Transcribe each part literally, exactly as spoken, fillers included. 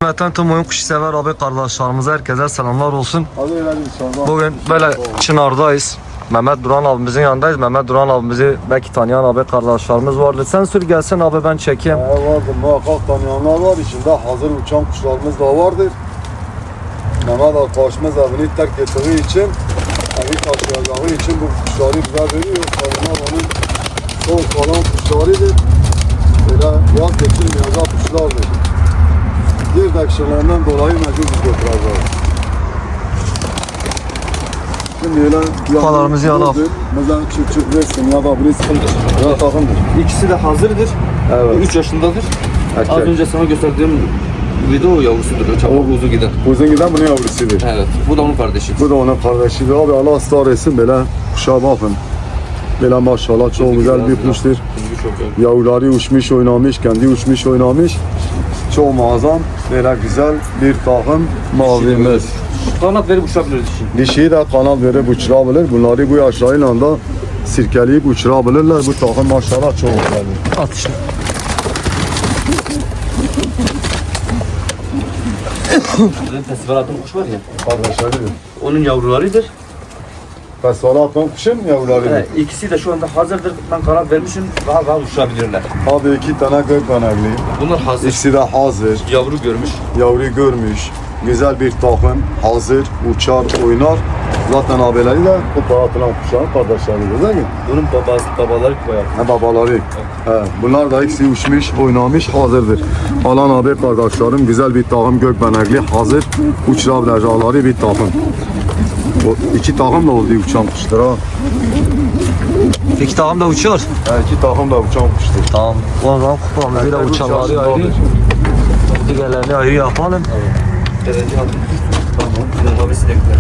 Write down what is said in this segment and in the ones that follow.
hürmeten tüm oyun kuşu sever abi kardeşlerimize herkese selamlar olsun. Hadi öyle inşallah. Bugün böyle Çınar'dayız. Mehmet Duran abimizin yanındayız. Mehmet Duran abimizi belki tanıyan abi kardeşlerimiz vardır. Sen sür gelsin abi ben çekeyim. Ee, vardır muhakkak tanıyanlar var. İçinde hazır uçan kuşlarımız da vardır. Mehmet arkadaşımız evini terk ettiği için, evi taşıyacağı için bu kuşları bize veriyor. Onlar onun son kalan kuşlarıdır. Böyle yaz geçirmeyecek kuşlardır. Diğer dakikalarından dolayı mecbur biz götüreceğiz. Şimdi öyle Kupalarımızı alalım. Mesela çık çık versin ya da bir sıkıntı. Ya takımdır. İkisi de hazırdır. Evet. üç yaşındadır. Erkek. Az önce sana gösterdiğim video yavrusudur. Çabuk uzu giden. Uzun giden bunun yavrusudur. Evet. Bu da onun kardeşi. Bu da onun kardeşidir. Abi Allah ısrar etsin böyle kuşa bakın. Böyle maşallah çok güzel bir kuştur. Kuzu çok güzel. Yavruları uçmuş oynamış, kendi uçmuş oynamış. Çok muazzam, böyle güzel bir takım mavimiz. Kanat verip uçabilir dişi. Dişiyi de kanal verip uçurabilir. Bunları bu yaşlarıyla da sirkeleyip uçurabilirler. Bu takım maşallah çok güzel. At işte. Bizim festival attığım kuş var ya. Kardeşleridir. Onun yavrularıdır. Fesvala atan kuşun yavrularıdır. Evet, ikisi de şu anda hazırdır. Ben kanat vermişim. Daha daha uçabilirler. Abi iki tane gök kanarlı. Bunlar hazır. İkisi de hazır. Yavru görmüş. Yavru görmüş. Güzel bir takım. Hazır. Uçar, oynar. Zaten abileri de kupa atılan kuşların kardeşleridir değil mi? Bunun babası, babaları koyar. Ha, babaları. He, bunlar da ikisi uçmuş, oynamış, hazırdır. Alan abi kardeşlerim güzel bir takım gökbenekli, hazır uçurabilecekleri bir takım. O iki takım da oldu uçan kuştur ha. İki takım da uçuyor. He, iki takım da uçan kuştur. Tamam. O zaman kupamızı da uçanları ayrı. Diğerlerini ayrı yapalım. Derece altı. Tamam. Bizim mavi sinekler.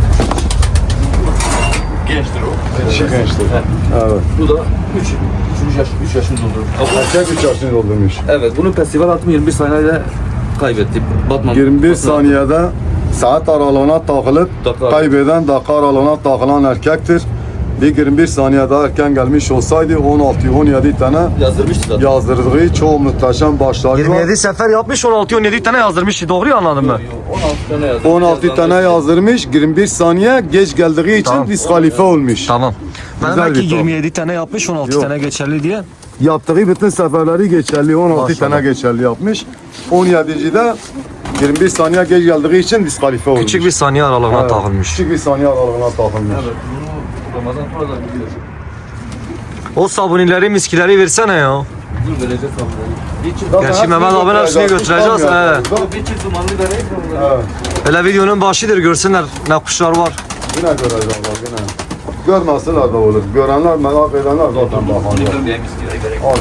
Gençtir o. Dişi gençtir. Evet. Bu da üç. üçüncü yaş, üç yaşını doldurur. Erkek üç yaşını doldurmuş. Evet, bunun festival atımı yirmi bir saniyede kaybetti. Batman. yirmi bir Batman- saniyede saat aralığına takılıp Dakika. kaybeden dakika aralığına takılan erkektir. Bir yirmi bir saniye daha erken gelmiş olsaydı on altı on yedi tane Yazdırmıştı zaten. yazdırdığı çok muhteşem başları var. yirmi yedi sefer yapmış, on altı on yedi tane yazdırmış. Doğru anladın mı? on altı tane yazdı. on altı tane yazdırmış, yirmi bir saniye geç geldiği için Tamam. diskalife olmuş. Tamam. Ben Güzel belki bir top. yirmi yedi tane yapmış, on altı Yok. tane geçerli diye. Yaptığı bütün seferleri geçerli, on altı Maşallah. tane geçerli yapmış. on yedide yirmi bir saniye geç geldiği için diskalife olmuş. Küçük bir saniye aralığına Evet, takılmış. Küçük bir saniye aralığına takılmış. Evet, bunu Ramazan sonra da biliyor. O sabunileri, miskileri versene ya. Dur vereceğiz abi. Bir çift, Zaten Gerçi hepsini Mehmet abinin hepsini götüreceğiz, götüreceğiz, tutamıyoruz. bir çift dumanlı vereyim mi? Evet. Hele videonun başıdır, görsünler ne kuşlar var. Yine görecekler yine. Görmeseler de olur. Görenler, merak edenler zaten Bunu bakarlar. görmeyen miskine gerek. Hadi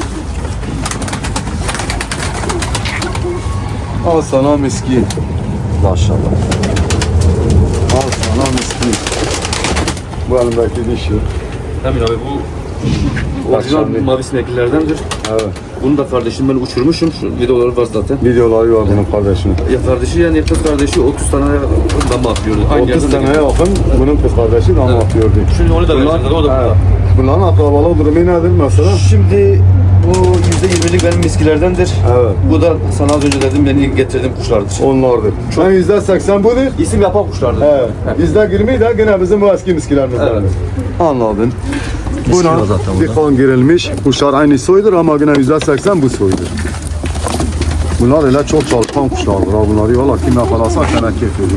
de. Al sana miskin. Maşallah. Al sana miskin. Bu elimdeki dişi. Emin abi bu orijinal Akşamleyin. mavi sineklilerdendir. Evet. Bunu da kardeşim ben uçurmuşum. Şu videoları var zaten. Videoları var bunun kardeşinin. Ya kardeşi yani kız kardeşi otuz tane dama atıyordu. Aynı otuz yerden de seneye yakın bunun kız kardeşi de Evet. atıyordu. Şimdi onu da vereceğiz. O da evet. burada. Bunların akrabalık durumu nedir mesela? Şimdi bu yüzde yirmilik benim miskilerdendir. Evet. Bu da sana az önce dedim beni getirdiğim kuşlardır. Onlardır. Çok- Ben yüzde seksen budur. İsim yapan kuşlardır. Evet. Yüzde yirmi de gene bizim bu eski miskilerimizden. Evet. Anladın. Miski Buna var zaten bir burada. kan girilmiş. Kuşlar aynı soydur ama yine yüzde seksen bu soydur. Bunlar öyle çok çalışkan kuşlardır. Ha. Bunları valla kim yakalasa sana keyif verir.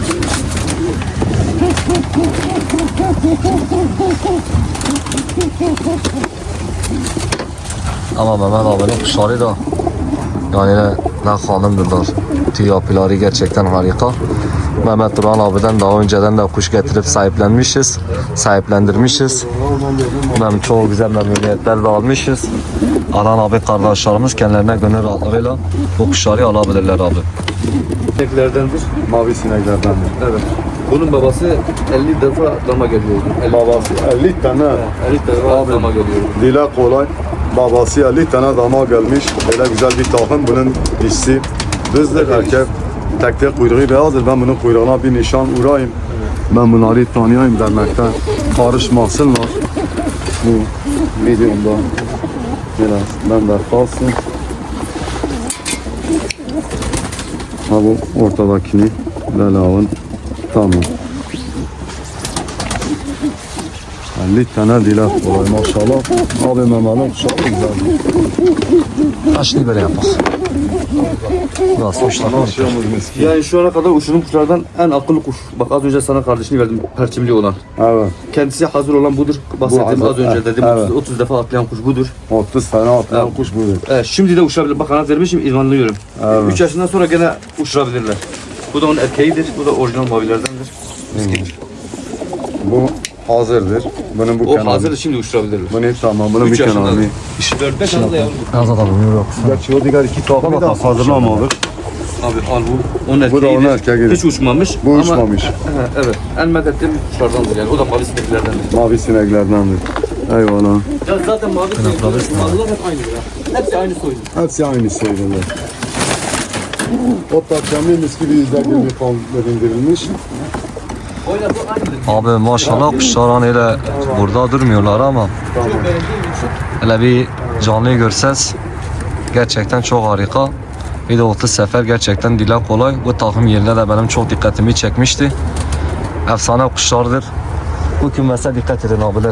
Ama Mehmet abinin kuşları da yani ne, ne hanımdırlar. Tüy yapıları gerçekten harika. Mehmet Duran abiden daha önceden de kuş getirip sahiplenmişiz. Sahiplendirmişiz. Mem çok güzel memnuniyetler de almışız. Alan abi kardeşlerimiz kendilerine gönül rahatlığıyla bu kuşları alabilirler abi. Sineklerdendir. Mavi sineklerdendir. Evet. Bunun babası elli defa dama geliyordu. elli, Babası elli tane. elli defa dama geliyordu. Dile kolay. Babası elli tane dama gelmiş. Böyle güzel bir takım. Bunun dişisi düzdür. Erkek tek tek kuyruğu beyazdır. Ben bunun kuyruğuna bir nişan vurayım. Ben bunları tanıyayım demekten karışmasınlar. Bu videomda biraz ben de kalsın. Ha bu ortadakini böyle alın. Tamam. elli tane dilek kolay maşallah. Abi Mehmet'in kuşağı güzel. Kaçını böyle yapak. Nasıl uçlar? Başlayalım miski. Yani şu ana kadar uçurduğum kuşlardan en akıllı kuş. Bak az önce sana kardeşini verdim, perçimli olan. Evet. Kendisi hazır olan budur. Bahsettiğim Bu az önce hazır, dedim. evet. otuz, otuz defa atlayan kuş budur. otuz tane atlayan Evet. kuş budur. Evet, şimdi de uçurabilir. Bak kanat vermişim, idmanlıyorum. Evet. üç yaşından sonra gene uçurabilirler. Bu da onun erkeğidir. Bu da orijinal mavilerdendir. Miskidir. Bu hazırdır. Bunun bu O kenarı. hazır, şimdi uçurabilirler. Bunu tamam. Bunun bir üç yaşında. kenarını. dört beş yaşında yavrum. Az adam yok. Gerçi o diğer iki takımı da hazırlamadık. Abi al bu. Onun Bu da onun erkeğidir. erkeğidir. Hiç uçmamış. Bu ama- uçmamış. He, evet. En medettiğim kuşlardandır yani. O da mavi sineklerdendir. Mavi sineklerdendir. Eyvallah. Ya zaten mavi sinekler, maviler hep aynıdır ha. Hepsi aynı soydur. Hepsi aynı şeyler. O takımı mis gibi yüzde yirmi falan indirilmiş. Oyla bu aynıdır. Abi maşallah kuşlar hani öyle burada durmuyorlar ama Çok beğendiğim için. hele bir canlıyı görseniz gerçekten çok harika. Bir de otuz sefer gerçekten dile kolay. Bu takım yerine de benim çok dikkatimi çekmişti. Efsane kuşlardır. Bu kümese dikkat edin abiler.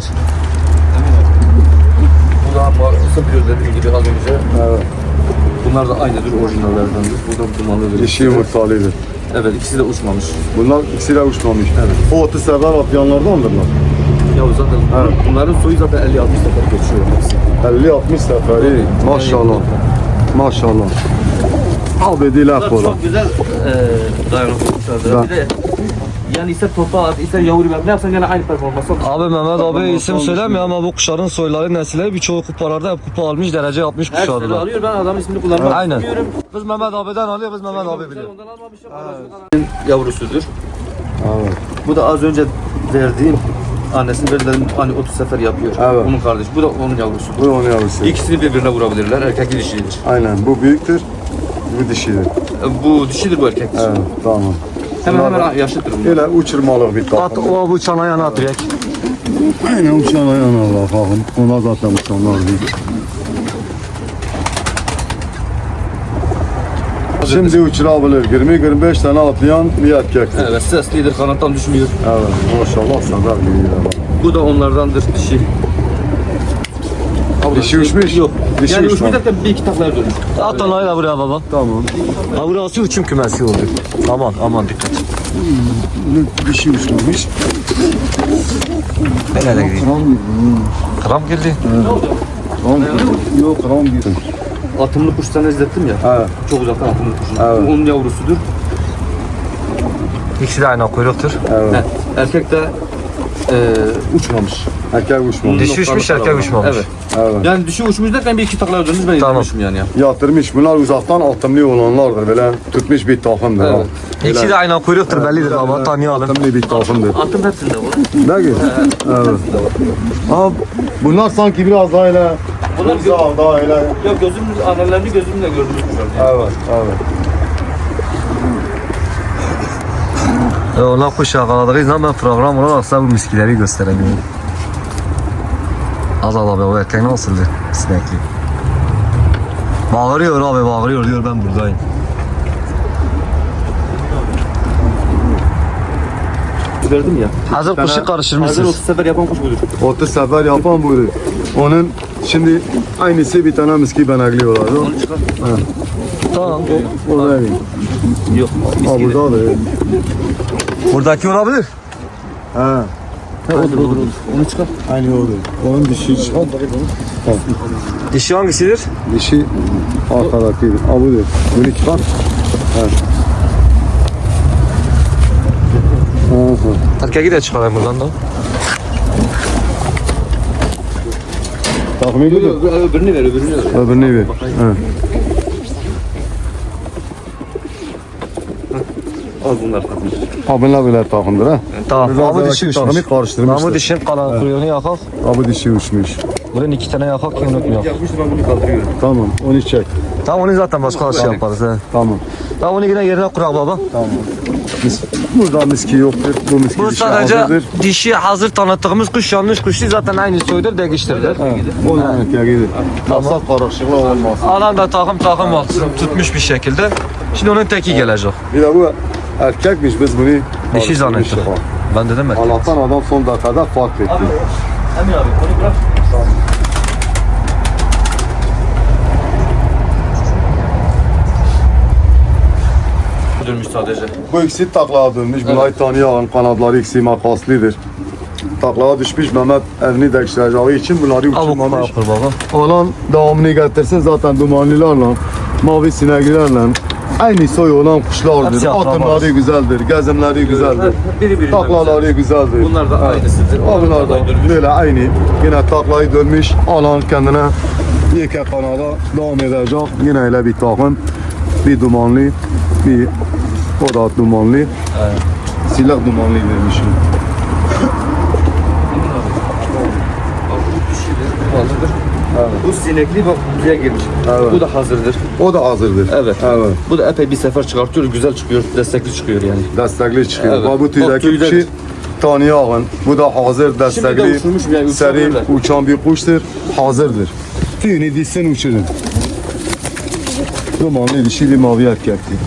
Bu da mağarası gözlediğim gibi az önce. Evet. Bunlar da aynıdır, orijinallerdendir. Bu da dumanlıdır. Dişi yumurtalıdır. Evet, ikisi de uçmamış. Bunlar ikisi de uçmamış. Evet. O otuz sefer atlayanlardandırlar. Ya zaten bunların soyu zaten elli altmış sefer geçiyor hepsi. elli altmış sefer. İyi. Maşallah. Maşallah. Abi dilek Bunlar kola. çok güzel e, dayanıklı kuşlardır. Da- Bir de yani ister topa at, ister yavru ver. Ne yapsan gene aynı performansı al. Abi Mehmet abi Tamam, isim tamam. söylemiyor ama bu kuşların soyları nesilleri birçoğu kupalarda hep kupa almış derece yapmış Her sene kuşlardır. alıyor, ben adamın ismini kullanmak Aynen. istemiyorum. Biz Mehmet abiden alıyor, biz Mehmet abi Ben biliyor. ondan almamışım. Evet. Yavrusudur. Evet. Bu da az önce verdiğim annesinin verilen hani otuz sefer yapıyor. Evet. Onun kardeşi. Bu da onun yavrusudur. Bu onun yavrusu. İkisini birbirine vurabilirler. Erkek dişidir. Aynen. Bu büyüktür. Bu dişidir. Bu dişidir, bu erkektir. Evet. Tamam. Hemen Bunlar hemen yaşlıdır bunlar. Böyle uçurmalık bir At takım. o bu çana yana at direkt. Aynen uçan ayağına bakalım. Ona zaten uçanlar değil. Şimdi uçurabilir. yirmi yirmi beş tane atlayan bir erkektir. Evet, seslidir, kanattan düşmüyor. Evet. Maşallah sadar gibi. Bu da onlardandır dişi. Dişi uçmuş. Yok. Dişi yani uçmamış. uçmuş derken bir iki taklar dönmüş. At onayı da buraya baba. Tamam. Ha burası uçum kümesi oldu. Aman aman dikkat. Dişi uçmamış. Nereye gideyim? Kram gibi. Kram geldi. Kram gibi. Yok kram gibi. Atımlı kuş sana izlettim ya. Evet. Çok uzaktan atımlı kuşun. Evet. Bu onun yavrusudur. İkisi de aynı kuyruktur. Evet. He, erkek de e, uçmamış. Erkek uçmamış. Dişi uçmuş, erkek uçmamış. Evet. Evet. Yani dişi uçmuş derken bir iki takla dönmüş, ben Tamam. izlemişim yani. Ya. Yatırmış. Bunlar uzaktan atımlı olanlardır. Böyle tutmuş bir takımdır. Evet. ha. İkisi de aynı kuyruktur bellidir baba, tanıyalım. Atımlı bir takımdır. Atım hepsinde var. Ne gibi? Evet. Ama bunlar sanki biraz daha öyle Bunlar uzak, daha öyle. Yok, gözümün annelerini gözümle gördüm kuşlar. Yani. Evet, evet. E, ona kuş yakaladığınız zaman ben program olarak size bu miskileri gösteremiyorum. Azal abi o erkek nasıldı? Sinekli. Bağırıyor abi, bağırıyor diyor ben buradayım. Verdim ya. Hazır kuşu Hazır karıştırmışsınız. otuz sefer yapan kuş budur. otuz sefer yapan buydu. Onun şimdi aynısı bir tane miski benekliyorlar. O, Onu çıkar. Tamam. o da iyi. Yok. Ha miskiydi. burada da iyi. Buradaki olabilir. He. He, odur, odur, odur. Onu çıkar. Aynı o da. Onun dişi çıkar. Dişi hangisidir? Dişi arkadaki. Ha budur. Bunu çıkar. He. Aha. Erkeği de çıkarayım buradan da. Takımı Yok, budur. yok, öbürünü ver, öbürünü ver. Öbürünü ver. He. Az bunlar takım. Ha bunlar böyle takımdır ha. Tamam. Biraz Ama evvelki dişi takımı uçmuş. karıştırmışlar. Ama dişin kalan kuyruğunu yakal. Ha bu dişi uçmuş. Buraya iki tane yakak ki unutmuyor. Yapmıştır ben bunu kaldırıyorum. Tamam onu çek. Tamam onu zaten başka şey yaparız. He. Tamam. Tamam onu yine yerine kurak baba. Tamam. Mis, burada miski yoktur. Bu miski Bu dişi sadece hazırdır. dişi hazır tanıttığımız kuş yanlış kuş değil zaten aynı soydur değiştirilir. Evet. Onun erkeğidir. Masal karışıklığı olmaz. Alan da takım takım altı tutmuş bir şekilde. Şimdi onun teki gelecek. Bir de bu erkekmiş biz bunu Dişi zannettik. Ben dedim mi? Allah'tan adam son dakikada fark etti. Emin abi onu bırak. Dönmüş sadece. Bu ikisi taklaya dönmüş. Bunları tanıyan kanadları ikisi makaslıdır. Taklaya düşmüş Mehmet evini değiştireceği için bunları Al bu kupa uçurmamış. yapır baba. Olan devamını getirsin zaten dumanlılarla, mavi sineklilerle aynı soy olan kuşlardır. Hepsi akrabadır. Atımları güzeldir, gezimleri güzeldir. Biri biri. Taklaları güzeldir. Bunlar da aynısıdır. Ha, Bunlar da dönmüş. böyle aynı. Yine taklayı dönmüş, alan kendine yeke kanada devam edecek. Yine öyle bir takım. Bir dumanlı, bir o da dumanlı. Evet. Silah dumanlı vermişim. Hazırdır. Evet. Bu sinekli bak buraya girmiş. Evet. Bu da hazırdır. O da hazırdır. Evet. Evet. Bu da epey bir sefer çıkartıyor, güzel çıkıyor, destekli çıkıyor yani. Destekli çıkıyor. Evet. Bak bu Bak, tüydeki tüyler. kuşu tanıyağın. Bu da hazır, Şimdi de destekli, uçurmuş yani, seri, uçabilirler. uçan bir kuştur. Hazırdır. Tüyünü dişsin uçurun. Dumanlı dişi bir mavi erkektir.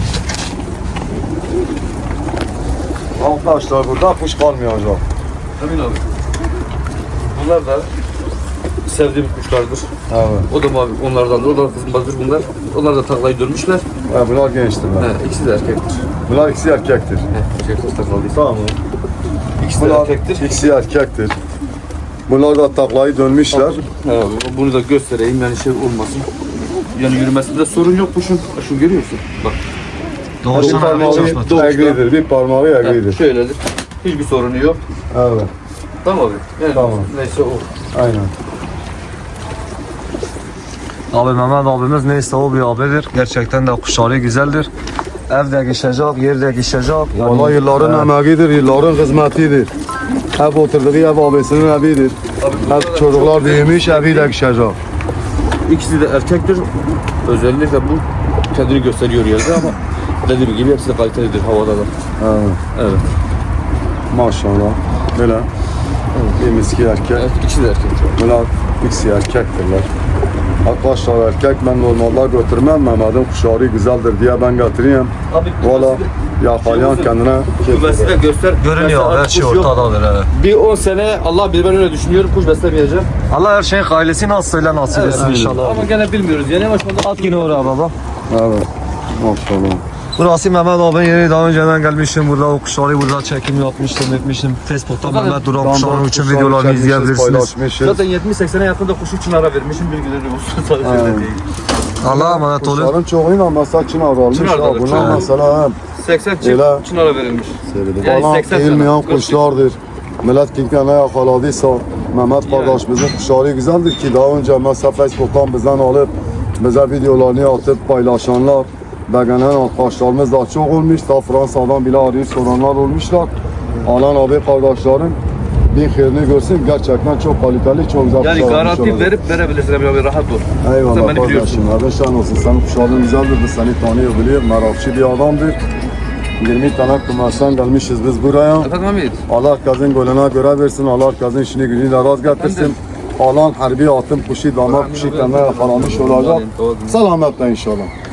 Arkadaşlar burada kuş kalmayacak. Emin abi. Bunlar da sevdiğim kuşlardır. Evet. O da mavi, onlardan da, o da kızmadır bunlar. Onlar da taklayı dönmüşler. Ha, bunlar gençtirler. He, ikisi de erkektir. Bunlar ikisi erkektir. He, erkek takladıysa. Tamam. İkisi de Bunlar erkektir. ikisi erkektir. Bunlar da taklayı dönmüşler. He, bunu da göstereyim yani şey olmasın. Yani yürümesinde sorun yok kuşun. Şu görüyorsun. Bak. Bir Doğuştan abi parmağı çalışmadı. egridir, bir parmağı He, egridir. şöyledir. Hiçbir sorunu yok. Evet, Tamam abi. Yani Tamam. neyse o. aynen. Abi Mehmet abimiz neyse o bir abidir. Gerçekten de kuşları güzeldir. Evde geçecek, yerde geçecek. Yani, Vallahi yılların emeğidir, yılların hizmetidir. Hep oturduğu ev abisinin evidir. Hep çocuklar büyümüş, evi de kişecek. İkisi de erkektir. Özellikle bu kendini gösteriyor yerde ama dediğim gibi hepsi de kalitelidir havada da. Evet, Evet. maşallah. Böyle bir miski erkek. Evet, ikisi de erkek. Bunlar ikisi erkektirler. Arkadaşlar erkek ben normalde götürmem. Mehmet'in kuşları güzeldir diye ben götüreyim. Abi Valla yakalayan kendine bu besle göster. görünüyor Mesela her şey kuş yok. ortadadır. Evet. Bir on sene Allah bilir ben öyle düşünüyorum kuş beslemeyeceğim. Allah her şeyin ailesi nasılıyla nasip etsin Evet, inşallah. Ama gene bilmiyoruz yani ama şu anda At yine oraya baba. Evet, maşallah. Burası Mehmet abinin yeri, daha önceden gelmiştim burada, o kuşları burada çekim yapmıştım, etmiştim. Facebook'ta Zaten Mehmet Duran Tam kuşların da için kuşları videolarını çekmişiz, izleyebilirsiniz. paylaşmışız. zaten yetmiş seksene yakında kuş için ara vermişim bilgileri olsun sadece Evet. öyle değil. Allah'a emanet olun. Kuşların çoğuyla mesela Çınar almış. Çınar'dadır, Ha, bunlar Çınar. mesela hem seksen çift Öyle. için ara verilmiş. Yani bana seksen eğilmeyen sene. kuşlardır. Millet kilkene yakaladıysa Mehmet kardeşimizin kuşları güzeldir ki daha önce mesela Facebook'tan bizden alıp bize videolarını atıp paylaşanlar beğenen arkadaşlarımız da çok olmuş. Ta Fransa'dan bile arayıp soranlar olmuşlar. Alan abi kardeşlerin bin hayırını görsün. Gerçekten çok kaliteli, çok güzel Yani kuşlar garanti olmuş olacak. verip verebilirsin abi, abi rahat ol. Eyvallah Sen beni biliyorsun. kardeşim. Abi şan olsun. Senin kuşların güzeldir. Biz seni tanıyor, biliyor. Merakçı bir adamdır. yirmi tane kumaştan gelmişiz biz buraya. Efendim Hamid. Allah herkesin golüne göre versin. Allah herkesin işini gücünü de rast getirsin. Alan harbi atım kuşu, damar kuşu kendine yakalanmış olacak. Selametle inşallah.